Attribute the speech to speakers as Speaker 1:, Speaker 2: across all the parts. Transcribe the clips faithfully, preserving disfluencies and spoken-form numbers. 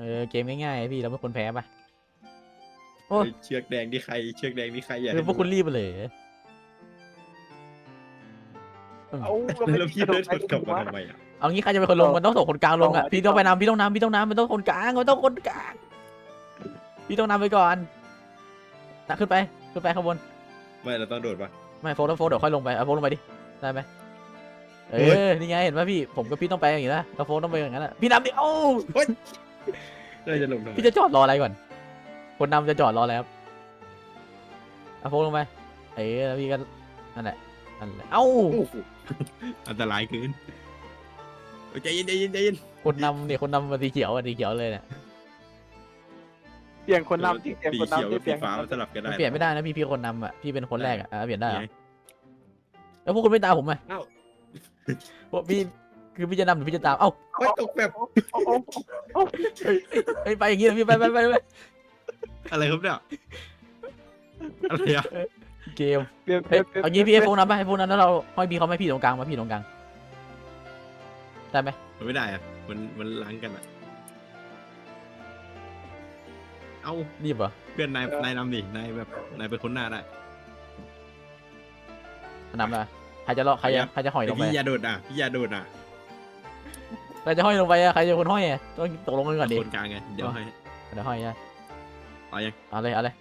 Speaker 1: อเกมง่ายๆพี่เราเป็นคนแพ้ปะโอ้
Speaker 2: เชือกแดงที่ใครเชือกแดงที่ใครอย่า
Speaker 1: คือพวกคุณรีบไปเลย
Speaker 3: เอา
Speaker 2: แล้วพี่เดินชนกลับมาทำไมอ่ะ
Speaker 1: เอางี้ใครจะเป็นคนลงมันต้องส่งคนกลางลงอ่ะพี่ต้องไปนำพี่ต้องนำพี่ต้องนำมันต้องคนกลางมันต้องคนกลางพี่ต้องนำไปก่อนนะขึ้นไปขึ้นไปข้างบน
Speaker 2: ไม่เราต้องโดดปะ
Speaker 1: ไม่โฟล์แล้วโฟล์เดี๋ยวค่อยลงไปเอาโฟล์ลงไปดิได้ไหมเอ
Speaker 2: เฮ้ย
Speaker 1: อนี่ไงเห็นป่ะพี่ผมกับพี่ต้องไปอย่างนี้นะแล้วโฟล์ต้องไปอย่างนั้นแหละพี่นำดิเอ้า
Speaker 2: เราจะลงทำไม
Speaker 1: พี่จะจอดรออะไรก่อนคนนำจะจอดรอแล้วเอาโฟล์ลงไปเออแล้วพี่ก็นั่นแหละนั่นแหละเอ้า
Speaker 2: โอ้โหอันตรายเกินใจเย็นใจเย็นใจเย็น
Speaker 1: คนนำเนี่ยคนนำมาสีเขียวอ่ะสีเขียวเลยเนี่ย
Speaker 3: เปลี่ยนคนนำที่เปลี่ยน
Speaker 2: สี
Speaker 3: คน
Speaker 2: เขียว
Speaker 3: นำที่
Speaker 2: กับ
Speaker 3: เปลี่
Speaker 2: สี
Speaker 3: ยน
Speaker 2: ฟ้ามันสลับกันได้
Speaker 1: มันเปลี่ยนไม่ได้นะพี่พี่คนนำอ่ะพี่เป็นคนแรกอ่ะอ่ะเปลี่ยนได้เหรอ
Speaker 2: ไง
Speaker 1: แล้วพวกคุณไม่ตามผมไหม
Speaker 2: เอ้า
Speaker 1: พวกพี่คือพี่จะนำหรือพี่จะตามเอ้า
Speaker 2: เฮ้ยตกแบบ
Speaker 3: โอ้โหโอ้โห
Speaker 1: เฮ้ยไปอย่างงี้นะพี่ไปไปไปไป
Speaker 2: อะไรครับเนี่ยอะไรอ่ะ
Speaker 1: เกม
Speaker 3: เปลี่ยนเป
Speaker 1: เฮ้
Speaker 3: ลี่
Speaker 1: ย
Speaker 3: ยนเปลี่ยน
Speaker 1: เอางี้พี่ไอ้พวกนั้นไปไอ้พวกนั้นแล้วเราห้อยพี่เขาไม่พี่ตรงกลางมาพี่ตรงกลางได้ไหม
Speaker 2: มันไม่ได้อ่ะมันมันล้างกันอ่ะเอ้า
Speaker 1: รีบเหรอ
Speaker 2: เพื่อนนายนายนำดินายแบบนายเป็นคนหน้าได้
Speaker 1: นำละใครจะรอใครจะใครจะห้อยล
Speaker 2: แต่
Speaker 1: งไป
Speaker 2: พี่อยาโดดอ่ะพี่อยาโดดอ่ะ
Speaker 1: ใครจะห้อยลงไปอะใครจะคนห้อยอะต้องตกลงกันก่อนดิ
Speaker 2: คนกลางไงเดี๋ยวให้
Speaker 1: เดี๋ยวห้อยนะ
Speaker 2: เอายัง
Speaker 1: เอาเลยเอาเลย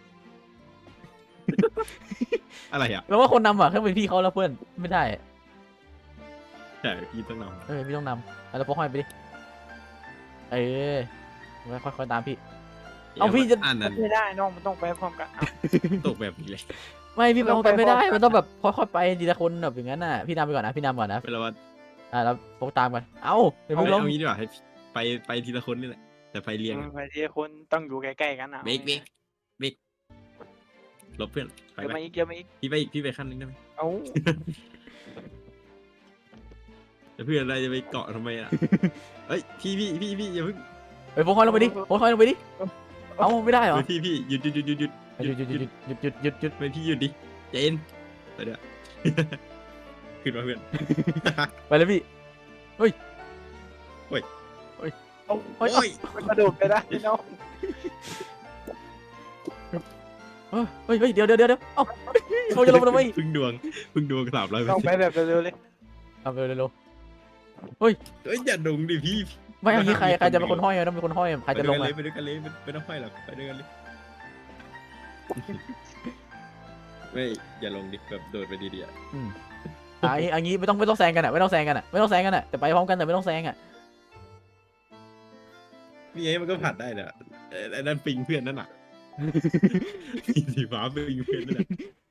Speaker 2: อะไรอ่ะ
Speaker 1: แล้วว่าคนนำอ่ะแค่เป็นพี่เขาแล้วเพื่อนไม่ได้
Speaker 2: ใช่พี่ต้องน
Speaker 1: เออพี่ต้องนำเอาแล้วพกห้อยไปดิเออค่อยๆตามพี่
Speaker 2: ำ
Speaker 1: เอาพี่จะ
Speaker 2: อ่านนั้น
Speaker 3: ไม่ได้น้องมันต้องไปพร้อมกัน
Speaker 2: ตกแบบนี้เลย
Speaker 1: ไม่พี่
Speaker 3: ต้
Speaker 1: เอา
Speaker 3: อง
Speaker 1: ไป
Speaker 3: ไป
Speaker 1: ไม่ได้
Speaker 3: พร้อมกัน
Speaker 1: มันต้องแบบค่อยๆไปทีละคนแบบอย่างนั้นน่ะพี่นำไปก่อนนะพี่นำก่อนนะ
Speaker 2: เวลาว่า
Speaker 1: อ่าแล้วพกตามกันเอ้าเดี๋ยว
Speaker 2: เอา
Speaker 1: มึงลง
Speaker 2: เอางี้ดีกว่าให้ไปไปทีละคนนี่แหละแต่ไปเรียงอะ
Speaker 3: ไปที่คนต้องอยู่ใกล้ๆกันนะ
Speaker 2: เบรกเบรกเบรกหลบเพื่อนไป
Speaker 3: เดี๋ยว
Speaker 2: ไป
Speaker 3: มาอีกเดี๋ยวมาอีก
Speaker 2: พี่ไปอีกพี่ไปขั้นนึงได้ไหม
Speaker 3: เอา
Speaker 2: แต่เพื่อนอะไรจะไปเกาะทำไมอ่ะ เอ้ยพี่พี่พี่พี่อย่าเพิ่ง
Speaker 1: ไปพกห้อยลงไปดิพกห้อยลงไปดิเอ้าไม่ได้เหรอ
Speaker 2: เฮ้ยพี่พี่หยุดหยุดหยุดหยุดหยุด
Speaker 1: หยุดหยุดหยุดหยุดหยุดหยุดหยุดหยุด
Speaker 2: ไม่พี่หยุดดิใจเย็นไปเดี๋ยว ขึ้นมาเพื่อน
Speaker 1: ไปเลยพี่เฮ้ย
Speaker 2: เฮ้ย
Speaker 1: เฮ้ย
Speaker 3: เอา
Speaker 1: เฮ้ย
Speaker 2: โอ้ย
Speaker 3: มันกระโดดไปได้น้อง
Speaker 1: เฮ้ยเฮ้ยเฮ้ยเดี๋ยวเดี๋ยวเดี๋ยวเอ้าเขาจะลงมาทำไม
Speaker 2: พึ่งดวงพึ่งดวงสามร้อยเปอ
Speaker 3: ต้อ
Speaker 2: ร์
Speaker 3: ง
Speaker 2: เซ็นต์
Speaker 3: ไปแบบเร็วๆเลย
Speaker 1: เอาไปเร็ว
Speaker 2: เฮ้ยอย่าดงดิพี่
Speaker 1: ๆไม่เอางี้ใครใครจะเป็นคนห้อยอะต้องเป็นคนห้อยใครจะลง
Speaker 2: ไป
Speaker 1: อะ
Speaker 2: ด้วยกันเลยไปด้วยกันเลยไม่ต้องห้อยหรอกไปด้วยกันเลยไม่อย่าลงดิแบบโดดไปดีๆอ่ะ
Speaker 1: อ่ะอันนี้อันนี้ไม่ต้องไม่ต้องแซงกันอะไม่ต้องแซงกันอะไม่ต้องแซงกันอะแต่ไปพร้อมกันแต่ไม่ต้องแซงอะ
Speaker 2: นี่ไงมันก็ผ่านได้แหละไอ้นั่นปิงเพื่อนนั่นน่ะ สีฟ้าปิงเพื่อนนั่นแหละ